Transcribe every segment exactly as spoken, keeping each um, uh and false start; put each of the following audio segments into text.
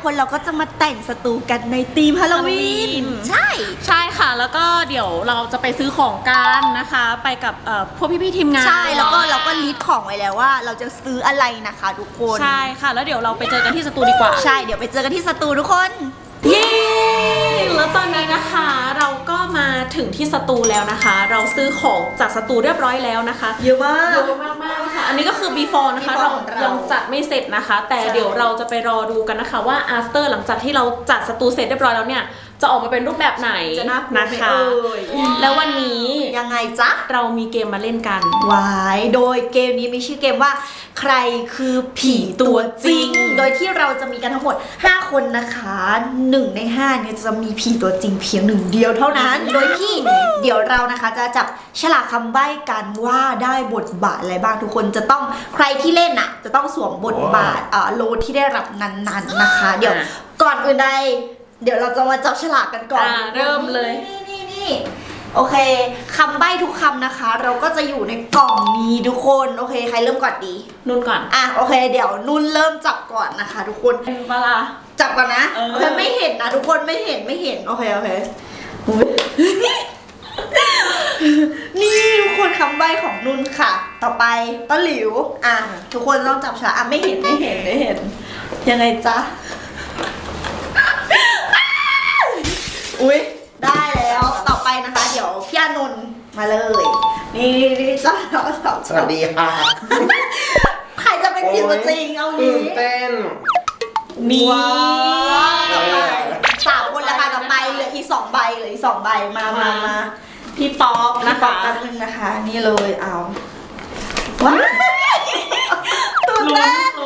คนเราก็จะมาแต่งสตูกันในธีมฮาโลวีนใช่ใช่ค่ะแล้วก็เดี๋ยวเราจะไปซื้อของกันนะคะไปกับพวกพี่ๆทีมงานใช่แล้วก็เราก็ลิสต์ของไว้แล้วว่าเราจะซื้ออะไรนะคะทุกคนใช่ค่ะแล้วเดี๋ยวเราไปเจอกันที่สตูดีกว่าใช่เดี๋ยวไปเจอกันที่สตูทุกคนเย้แล้วตอนนี้นะคะเราก็มาถึงที่สตูแล้วนะคะเราซื้อของจากสตูเรียบร้อยแล้วนะคะเยอะมากเยอะมากมากค่ะอันนี้ก็คือ before นะคะเรายังจัดไม่เสร็จนะคะแต่เดี๋ยวเราจะไปรอดูกันนะคะว่า after หลังจากที่เราจัดสตูเสร็จเรียบร้อยแล้วเนี่ยจะออกมาเป็นรูปแบบไหนนะคะแล้ววันนี้ยังไงจ๊ะเรามีเกมมาเล่นกันวายโดยเกมนี้มีชื่อเกมว่าใครคือผีตัวจริงโดยที่เราจะมีกันทั้งหมดห้าคนนะคะหนึ่งในห้าเนี่ยจะมีผีตัวจริงเพียงหนึ่งเดียวเท่านั้นโดยที่เดี๋ยวเรานะคะจะจับฉลากคำใบ้กันว่าได้บทบาทอะไรบ้างทุกคนจะต้องใครที่เล่นอ่ะจะต้องสวมบทบาทอ่าโลที่ได้รับนั้นๆนะคะเดี๋ยวก่อนอื่นใดเดี๋ยวเราจะมาจับฉลากกันก่อนเริ่มเลยนี่นี่นี่โอเคคำใบ้ทุกคำนะคะเราก็จะอยู่ในกล่องนี้ทุกคนโอเคใครเริ่มก่อนดีนุ่นก่อนอ่ะโอเคเดี๋ยวนุ่นเริ่มจับก่อนนะคะทุกคนเวลาจับก่อนนะโอเคไม่เห็นนะทุกคนไม่เห็นไม่เห็นโอเคโอเคนี่ทุกคนคำใบ้ของนุ่นค่ะต่อไปต้นหลิวอ่ะทุกคนต้องจับฉลากอ่ะไม่เห็นไม่เห็นไม่เห็นยังไงจ๊ะอุ้ยได้แล้วต่อไปนะคะเดี๋ยวพี่อานนท์มาเลยนี่นี่จ้าเราสองสวัสดีค่ะใครจะเป็นผีตัวจริงเอางี้เต้นนี่ต่อไปสามคนแล้วค่ะต่อไปเหลืออีกสองใบเหลืออีกสองใบมามามาพี่ป๊อปนะคะแป๊บนึงนะคะนี่เลยเอาว้าตื่นเต้น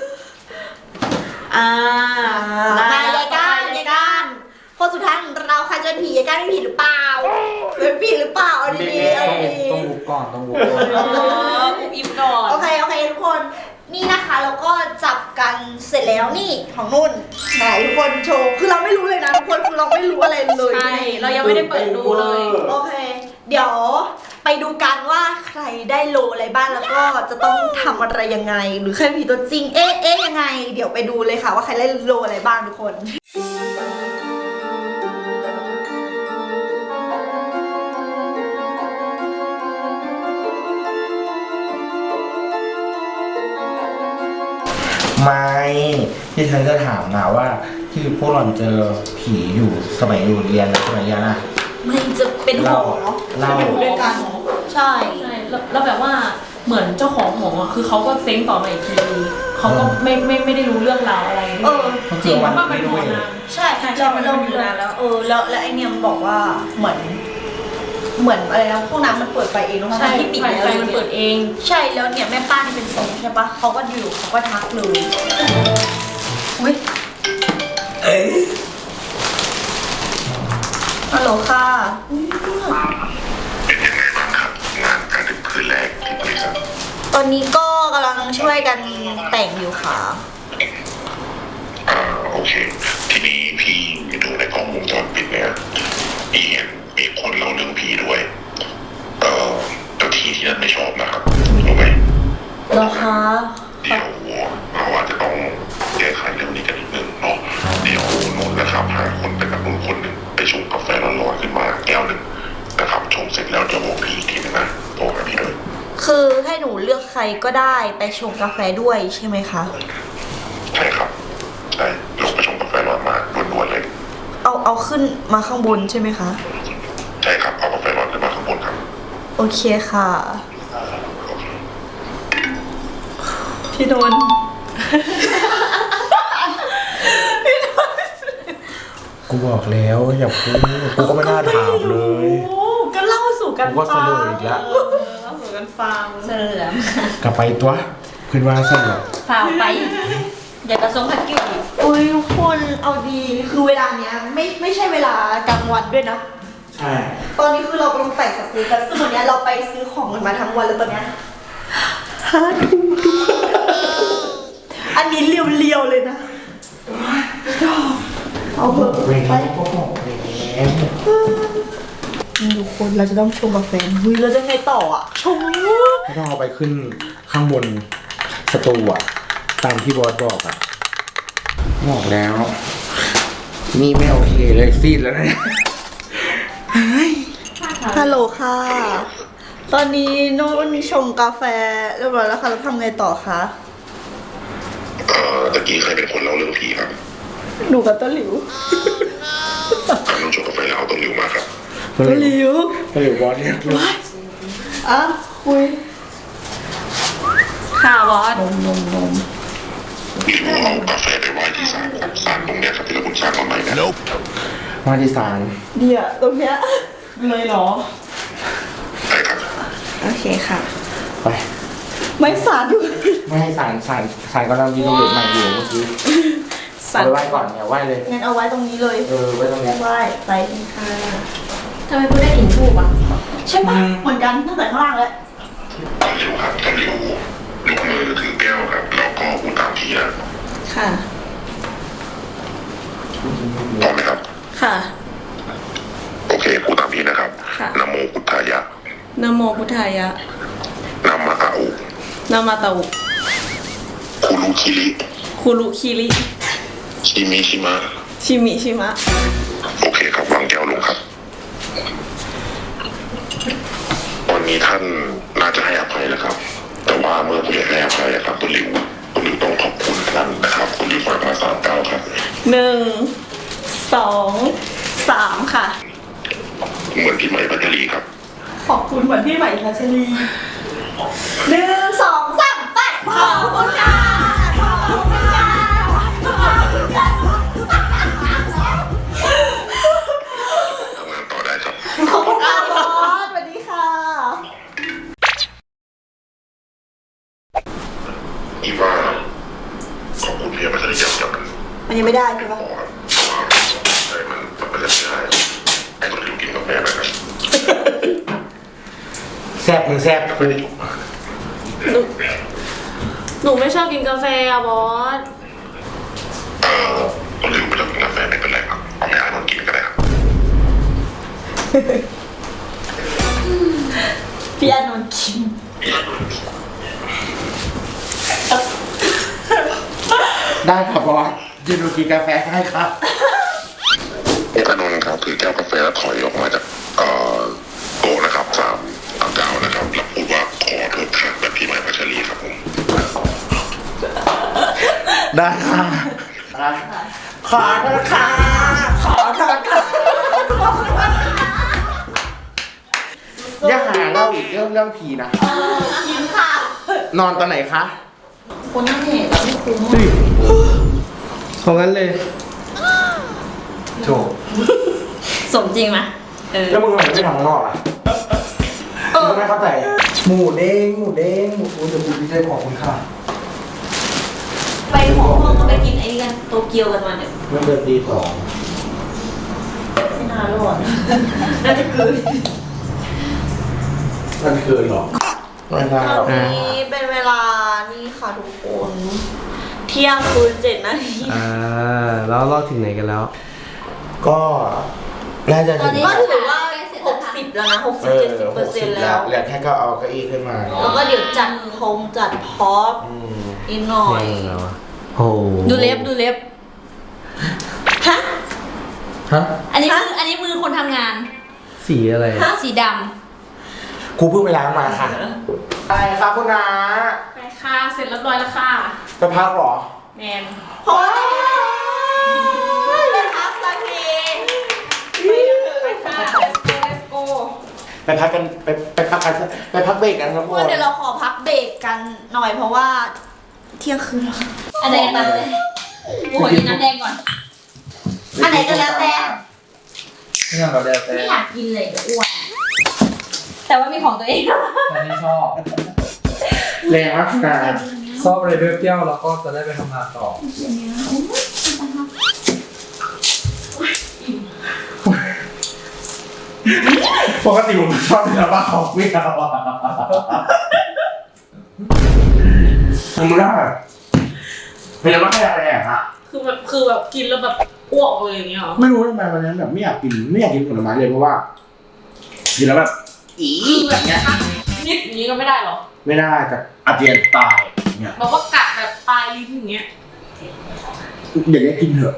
อ่าได้ยายก้านยายก้านคนสุดท้ายของเราใครจะเป็นผียายก้านเป็นผีหรือเปล่าเป็นผีหรือเปล่าเอาดีๆเอาดีๆต้องบุกก่อนต้องบุกก่อนอุบอิบก่อนโอเคโอเคทุกคนนี่นะคะแล้วก็จับกันเสร็จแล้วนี่ของนุ่นไหนทุกคนโชว์คือเราไม่รู้เลยนะทุกคนคือเราไม่รู้อะไรเลยใช่เรายังไม่ได้เปิดดูเลยโอเคเดี๋ยวไปดูกันว่าใครได้โลอะไรบ้างแล้วก็จะต้องทำอะไรยังไงหรือใครผีตัวจริงเอ๊ะเอ๊ะยังไงเดี๋ยวไปดูเลยค่ะว่าใครได้โลอะไรบ้างทุกคนไม่ที่ฉันจะถามนะว่าที่พวกเราเจอผีอยู่สมัยอยู่เรียนสมัยเรียนอะมันจะเป็นหอเนาะเราอยู่ด้วยกันใช่ใช่แล้วแบบว่าเหมือนเจ้าของหอคือเขาก็เซ้งต่อมาอีกทีเขาก็ไม่ไม่ไม่ได้รู้เรื่องราวอะไรเออจริงว่ามันเป็นหอนานใช่เราเราอยู่นานแล้วเออแล้วแล้วไอเนี่ยมันบอกว่าเหมือนเหมือนอะไรนะพวกน้ำมันเปิดไฟเองใช่ที่ปิดไฟมันเปิดเองใช่แล้วเนี่ยแม่ป้าที่เป็นทรงใช่ปะเขาก็อยู่เขาก็ทักเลยอุ้ยฮัลโหลค่ะเป็นยังไงบ้างครับงานการถึงคืนแรกที่บริษัทตอนนี้ก็กำลังช่วยกันแต่งอยู่ค่ะอ่าโอเคทีนี้พี่ดูในกล้องวงจรปิดเนี่ยมีเห็นมีคนเล่าเรื่องผีด้วยเอ่อเจ้าที่ที่นั่นไม่ชอบนะครับรู้ไหมเหรอคะเดี๋ยวเราอาจจะต้องแก้ไขเรื่องนี้กันนิดนึงเนาะเดี๋ยวนุ่นนะครับหาคนไปกับนุ่นคนหนึ่งไปชงกาแฟร้อนๆขึ้นมาแก้วหนึ่งนะครับชงเสร็จแล้วเดี๋ยวบอกพี่อีกทีนึงนะโทรหาพี่ด้วยคือให้หนูเลือกใครก็ได้ไปชงกาแฟด้วยใช่ไหมคะใช่ครับใช่ลงไปชงกาแฟร้อนมาด่วนๆเลยเอาเอาขึ้นมาข้างบนใช่ไหมคะใช่ครับเอากาแฟร้อนขึ้นมาข้างบนครับโอเคค่ะพี่นนท์กูบอกแล้วอย่าพูดกูก็ไม่น่าถามเลยก็เล่าสู่กันฟังกูก็เสนออีกแล้วเล่าสู่กันฟังเสนอกลับไปตัวขึ้นมาเสนอฝ่าไปอย่ากระซงพักกิ้วอุ้ยทุกคนเอาดีคือเวลาเนี้ยไม่ไม่ใช่เวลากลางวันด้วยนะใช่ตอนนี้คือเรากำลังใส่สกู๊ปกันซึ่งวันนี้เราไปซื้อของกันมาทั้งวันแล้วตอนเนี้ยห้าทุ่มทุกคนอันนี้เรียวๆเลยนะเอาเถอะไปทุกคนเราจะต้องชงกาแฟเฮ้ยเราจะไงต่ออ่ะชงไม่ต้องเอาไปขึ้นข้างบนสตูอ่ะตามที่บอสบอกอ่ะบอกแล้ว นี่ไม่โอเคเลยซีดแล้วเนี่ยฮัลโหลค่ะ ตอนนี้โน้นชงกาแฟเรียบร้อยแล้วค่ะแล้วทำไงต่อคะเอ่อตะกี้ใครเป็นคนเล่าเรื่องผีครับหนูกับต้นหลิวการนุ่งชงกาแฟแล้วเอาต้นริ้วมาครับต้นหลิวก็เลยบอสเนี่ยอ่ะคุยค่ะบอสนมนมนมริ้วเอากาแฟไปไว้ที่ศาลศาลตรงเนี้ยครับที่เราคุณสร้างมาใหม่นะมาที่ศาลเดี๋ยวตรงเนี้ยเลยเหรอใช่ครับโอเคค่ะไปไม่สาดอยู่ไม่ให้ศาลศาลศาลกำลังรีโนเวทใหม่อยู่เมื่อกี้เอาไปไหว้ก่อนเนี่ยไหว้เลยงั้นเอาไว้ตรงนี้เลยเออไว้ตรงเนี้ยไหว้ไปกันค่ะทำไมคุณได้กลิ่นทูบอ่ะใช่ปะเหมือนกันตั้งแต่ข้างล่างแล้วต้นริ้วครับต้นริ้วยกมือถือแก้วครับแล้วก็พูดตามทีนะค่ะพร้อมไหมครับค่ะโอเคพูดตามทีนะครับค่ะนะโมพุทธายะนะโมพุทธายะนามาอาอุนามาตาอุคุรุคิริคุรุคิริชิมิชิมะชิมิชิมะโอเคครับวางแก้วลงครับวันนี้ท่านน่าจะให้อภัยแล้วครับ แต่ว่าเมื่อผู้ใหญ่ให้อภัยอะครับคุณริวคุณริวต้องขอบคุณท่านนะครับคุณริวฝากมาสามเก้าครับหนึ่ง สอง สามค่ะเหมือนพี่ใหม่ปัจจรีครับขอบคุณเหมือนพี่ใหม่พัชรีหนึ่งสองสามไปขอบคุณค่ะขอบคุณค่ะขอบคุณค่ะทำงานต่อได้ครับขอบคุณค่ะบอสสวัสดีค่ะอีว่าขอบคุณพี่ปัจจรีอย่างจับมันมันยังไม่ได้ใช่ปะพอครับเพราะว่าใช่มันมันจะไม่ได้ให้คนริวกินกาแฟไปครับแซ่บมึงแซ่บกูหนู หนูไม่ชอบกินกาแฟอะบอสเอ่อคนริวไม่ต้องกินกาแฟไม่เป็นไรครับเอาไม่อ่านมันกินก็ได้ครับพี่อานนท์กินได้ครับบอสยืนดูกินกาแฟให้ครับเอกนนท์ครับถือแก้วกาแฟแล้วถอยออกมาจากเอ่อโต๊ะนะครับสามสามเก้านะครับแล้วพูดว่าขอโทษค่ะแบบพี่ใหม่พัชรีครับผมได้ค่ะขอโทษค่ะขอโทษค่ะอย่าหาเล่าอีกเรื่องเรื่องผีนะกินค่ะนอนตอนไหนคะคนนั่งเห็นแล้วไม่คุ้มของงั้นเลยโถสมจริงไหมเออแล้วมึงทำไมไม่ทำข้างนอกอ่ะมึงก็ไม่เข้าใจ หมูเด้งหมูเด้งหมูเดี๋ยวกูดีใจขอบคุณค่ะไปหอห้องก็ไปกินไอ้นี่กันโตเกียวกันมาเนี่ยเมื่อเดือนตีสองไม่น่ารอดน่าจะเกินมันเกินหรอไม่ได้หรอกตอนนี้เป็นเวลานี่ค่ะทุกคน เที่ยงคืนเจ็ดนาทีอ่าแล้วเราถึงไหนกันแล้วก็น่าจะถึงก็ถือว่าหกสิบแล้วนะหกสิเอบ อเจ็ดสิบเปหอร์กเซ็สินบต์แล้แล้ว วเหลือแค่ก็เอาเก้าอี้ขึ้นมาแล้วก็เดี๋ยวจัดพงจัดพร็อพอืมอีกหน่อยเที่ยงแล้วอะโอ้โหดูเล็บดูเล็บฮะฮะอันนี้มืออันนี้มือคนทำงานสีอะไรสีดกูเพิ่งไปล้างมาค่ะอะไรครับคุณน้าไปค่ะ เสร็จเรียบร้อยแล้วค่ะจะพักเหรอแมนโอ้ยเลยพักสักทีไปค่ะ let's go let's go ไปพักกันไปไปพักกันไปพักเบรกกันครับทุกทุกคคน นเดี๋ยวเราขอพักเบรกกันหน่อยเพราะว่าเที่ยงคืนแล้วำอันไหนกันเลยกูขอกินน้ำแดงก่อนอันไหนก็แล้วแต่ไม่เอาเราแล้วแต่ไม่อยากกินเลยเดี๋ยวอ้วนแต่ว่ามีของตัวเองตอนนี้ชอบแรงมากนะชอบอะไรเปรี้ยวๆแล้วก็จะได้ไปทำงานต่อปกติผมชอบเนื้อปลาของไม่เอาอ่ะทำไม่ได้เป็นยังไงอะไรอ่ะฮะคือแบบคือแบบกินแล้วแบบอ้วกเลยอย่างเงี้ยเหรอไม่รู้ทำไมวันนั้นแบบไม่อยากกินไม่อยากกินผลไม้เลยเพราะว่ากินแล้วแบบอีคือแบแบบ บเนี้ยนิดอย่างนี้ก็ไม่ได้เหรอไม่ได้จะอาเจียนตายเนี่ยบอกว่ากัดแบบปลายลิ้นอย่างเงี้ยอย่าเรียกกินเถอะ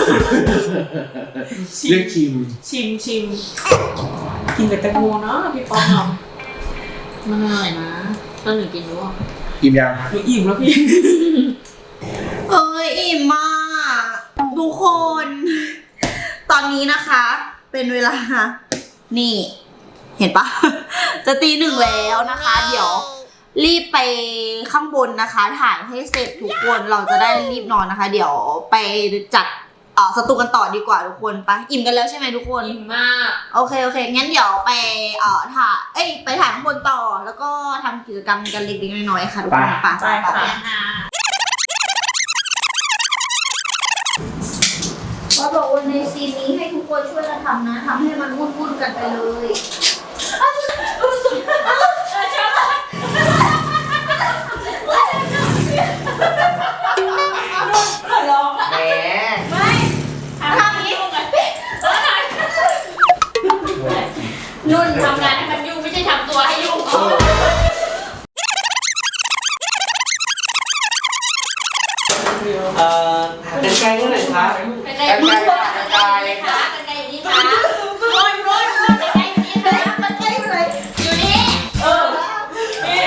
เรียกชิมชิมชิมกินแต่แตงโมเนาะพี่ป๊อกเนาะมันอร่อยนะตอนหนูกินด้วยอิ่มยังหนูอิ่มแล้วพี่เอ้ยอิ่มมากทุกคน ตอนนี้นะคะ เป็นเวลา นี่ เห็นปะ จะตีหนึ่งแล้วนะคะ เดี๋ยว รีบไปข้างบนนะคะ ถ่ายให้เสร็จทุกคนเราจะได้รีบนอนนะคะ เดี๋ยวไปจัดเอ่อสตูกันต่อดีกว่าทุกคนไปอิ่มกันแล้วใช่ไหมทุกคนอิ่มมากโอเคโอเคงั้นเดี๋ยวไปเอ่อถ่ายเอ้ยไปถ่ายข้างบนต่อ แล้วก็ทำกิจกรรมกันเล็กๆน้อยๆค่ะทุกคนไปไปค่ะว่าบอกว่าในซีนนี้ให้ทุกคนช่วยกันทำนะทำให้มันวุ่นๆกันไปเลยแหมทำนี้นุ่นทำงานให้มันยุ่งไม่ใช่ทำตัวให้ยุ่งเอ่อเป็นไกลเท่าไหร่ครับเป็นไงมึงคนเป็นไงคะเป็นไงนี่คะโรยโรยเป็นไงนี่คะเป็นไงอยู่ไหนอยู่นี่เออนี่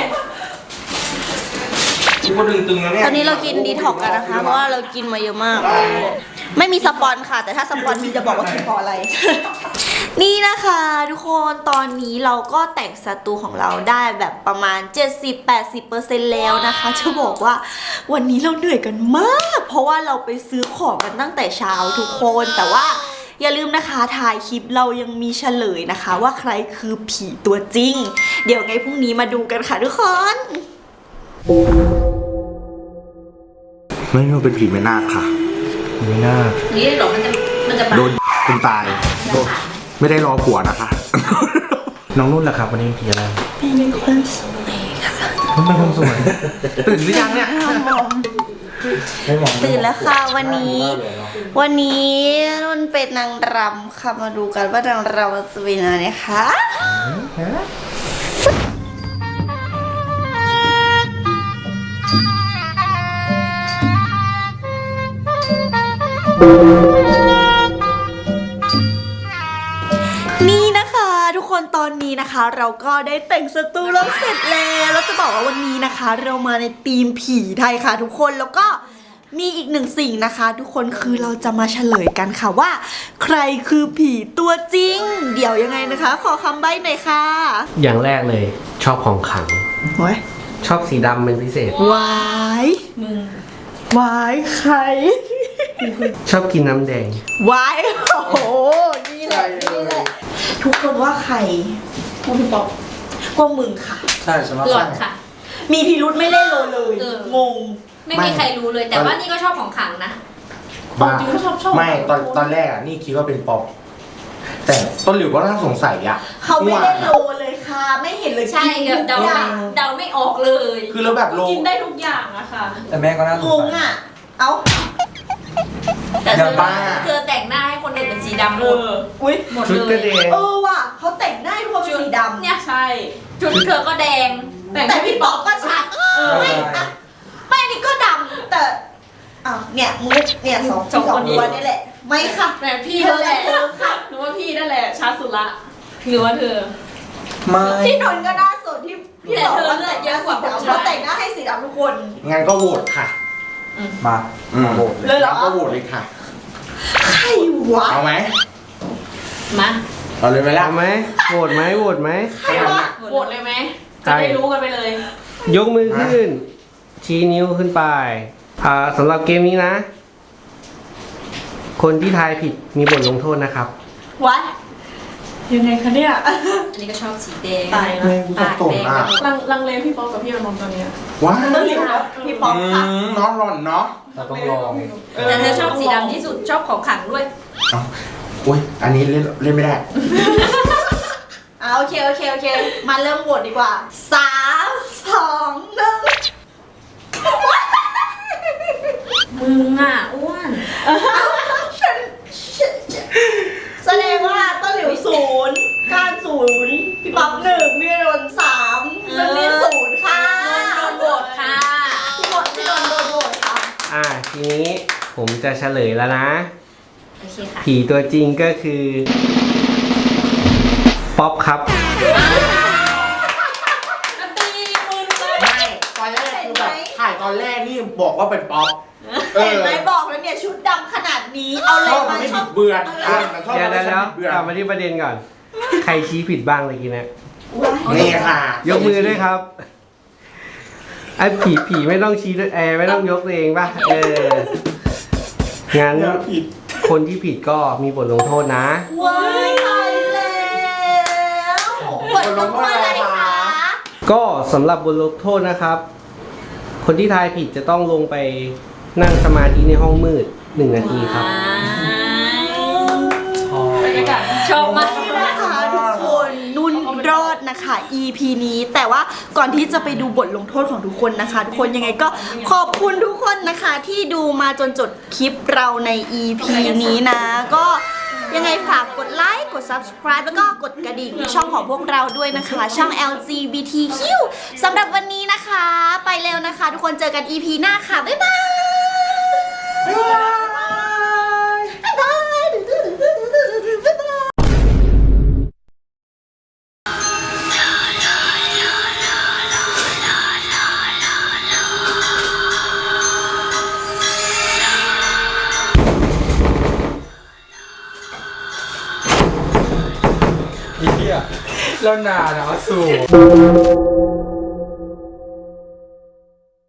กูก็ดึงๆแล้วเนี่ยตอนนี้เรากินดีท็อกกันนะคะ เพราะว่าเรากินมาเยอะมาก ไม่มีสปอนค่ะ แต่ถ้าสปอนมีจะบอกว่ากินเพราะอะไร นี่นะคะทุกคนตอนนี้เราก็แต่งสตูของเราได้แบบประมาณ เจ็ดสิบถึงแปดสิบเปอร์เซ็นต์ แล้วนะคะ จะบอกว่าวันนี้เราเหนื่อยกันมาก เพราะว่าเราไปซื้อของกันตั้งแต่เช้าทุกคน แต่ว่าอย่าลืมนะคะถ่ายคลิปเรายังมีเฉลยนะคะ ว่าใครคือผีตัวจริง เดี๋ยวไงพรุ่งนี้มาดูกันค่ะทุกคนไม่รู้เป็นผีไม่น่าค่ะไม่น่านี่หรอมันจะมันจะโดนจนตายโดนไม่ได้รอผัวนะคะน้องนุ่นล่ะครับวันนี้เป็นผีอะไรเป็นคนสวยค่ะมันเป็นคนสวยตื่นหรือยังเนี่ยไม่มองตื่นแล้วค่ะวันนี้ วันนี้นุ่นเป็นนางรำค่ะมาดูกันว่านางรำจะเป็นอะไรนะคะ นี่นะคะทุกคนตอนนี้นะคะ เราก็ได้แต่งสตูเราเสร็จแล้วแล้วจะบอกว่าวันนี้นะคะ เรามาในธีมผีไทยค่ะทุกคนแล้วก็มีอีกหนึ่งสิ่งนะคะ ทุกคนคือเราจะมาเฉลยกันค่ะว่า ใครคือผีตัวจริง เดี๋ยวยังไงนะคะ ขอคำใบ้หน่อยค่ะอย่างแรกเลยชอบของขลังโอ้ยชอบสีดำเป็นพิเศษวายมึงวายใครชอบกินน้ำแดงวายโอ้โหนี่แหละนี่แหละทุกคนว่าใครพวกพี่ป๊อกพวกมึงค่ะใช่สำหรับหลอดค่ะมีพิรุธไม่เล่นโลเลยเอองงไม่มีใครรู้เลยแต่ว่านี่ก็ชอบของขลังนะบ้าจริงก็ชอบชอบไม่ตอนตอนแรกอ่ะนี่คิดว่าเป็นป๊อปแต่ต้นหลิวก็น่าสงสัยอ่ะเขาไม่ว่าเล่นโลเลยค่ะ ไม่เห็นเลยใช่เดาไม่เดาไม่ออกเลยคือแล้วแบบโลกินได้ทุกอย่างอะค่ะแต่แม่ก็น่าสงงงสัยอ่ะ เอ้าแต่เธอย่าอบ้าเธอแต่งหน้าให้คนอื่นเป็นสีดำหเอมดออุ้ยหมดชุดเลก็ยแดงเออว่ะเขาแต่งหน้าให้ทุกคนเป็นสีดำเนี่ยใช่ชุดเธอก็แดงแต่พี่ป๊อกก็ชัดเออไม่อะไม่อันนี้ก็ดำแต่อ้าวเนี่ยมุกเนี่ยสองสองคนนี่แหละ ไม่ค่ะแหมพี่นั่นแหละเธอค่ะหนูว่าพี่นั่นแหละชัดสุดละหรือว่าเธอไม่พี่นนท์ก็หน่าสดที่พี่แต่บอกเธอว่าเลือดเยอะกว่าคนเขาชายแต่งหน้าให้สีดำทุกคนงั้นก็โหวตค่ะมาอืมโหวตเลยเหรอก็โหวตเลยค่ะใครวะเอาไหมมาเอาเลยไหมล่ะเอาไหมโหวตไหมโหวตไหมใครวะโหวตเลยไหมจะได้รู้กันไปเลยยกมือขึ้น ชี้นิ้วขึ้นไปอ่าสำหรับเกมนี้นะ คนที่ทายผิดมีบทลงโทษนะครับวะยังไงคะเนี่ยอันนี้ก็ชอบสีแดงตายไม่กูสับสนอ่ะลังลังเลพี่ป๊อกกับพี่อนนท์ตอนเนี้ยว้าต้องหลิวนะพี่ป๊อกอืค่ะมน้องหล่อนเนาะเราต้องลองแต่เธอชอบสีดำที่สุดชอบของขลังด้วยเอาอุ้ยอันนี้เล่นเล่นไม่ได้อ่าโอเคโอเคโอเค มาเริ่มโหวตดีกว่าสามสองหนึ่งมึงอ่ะอ้วนฉันฉันฉันแสดงว่าต้นหลิวศูนย์การศูนย์พี่ป๊อกหนึ่งพี่นนท์สามนนท์นี่ศูนย์ค่ะโดนโหวตค่ะพี่นนท์พี่นนท์โดนโหวตค่ะอ่าทีนี้ผผมจะเฉลยแล้วนะโอเคค่ะผีตัวจริงก็คือป๊อปครับตีมือเลยไม่ตอนแรกคือแบบถ่ายตอนแรกนี่บอกว่าเป็นป๊อปเอเห็อนไหมบอกแล้วเนี่ยชุดดำขนาดนี้เอาอะไรชอบมามันไม่ชอบิบดเบือนอ่ะมันชอบเดี๋ยวมันเดี๋ยวไม่เดี๋ยวบิดเบือนกลับมาที่ประเด็นก่อน ใครชี้ผิดบ้างเมื่อกี้เนะนี่ค่ะยกมือด้วยครับไอ้ผีผีไม่ต้องชี้ด้วยแอร์ไม่ต้องยกตัวเองป่ะ เออ งั้นอย่าผิดคนที่ผิดก็มีบทลงโทษนะว้ายตายแล้วบทลงโทษอะไรคะก็สำหรับบทลงโทษนะครับ คนที่ทายผิดจะต้องลงไปนั่งสมาธิในห้องมืดหนึ่งนาทีครับบรรยากาศชอบมากนี่นะคะทุกคนนุ่นรอดนะคะ อี พี นี้แต่ว่าก่อนที่จะไปดูบทลงโทษของทุกคนนะคะ ทุกคนยังไงก็ขอบคุณทุกคนนะคะที่ดูมาจนจบคลิปเราใน อี พี นี้นะ ก็ยังไงฝากกดไลค์กด ซับสไครบ์ แล้วก็กดกระดิ่งช่องของพวกเราด้วยนะคะ ช่อง แอล จี บี ที คิว สำหรับวันนี้นะคะ ไปเร็วนะคะ ทุกคนเจอกัน อี พี หน้าค่ะ บ๊ายบายบ๊ายบายบ๊ายบายบ๊ายบายอีเหี้ยแล้วนาหนาวสู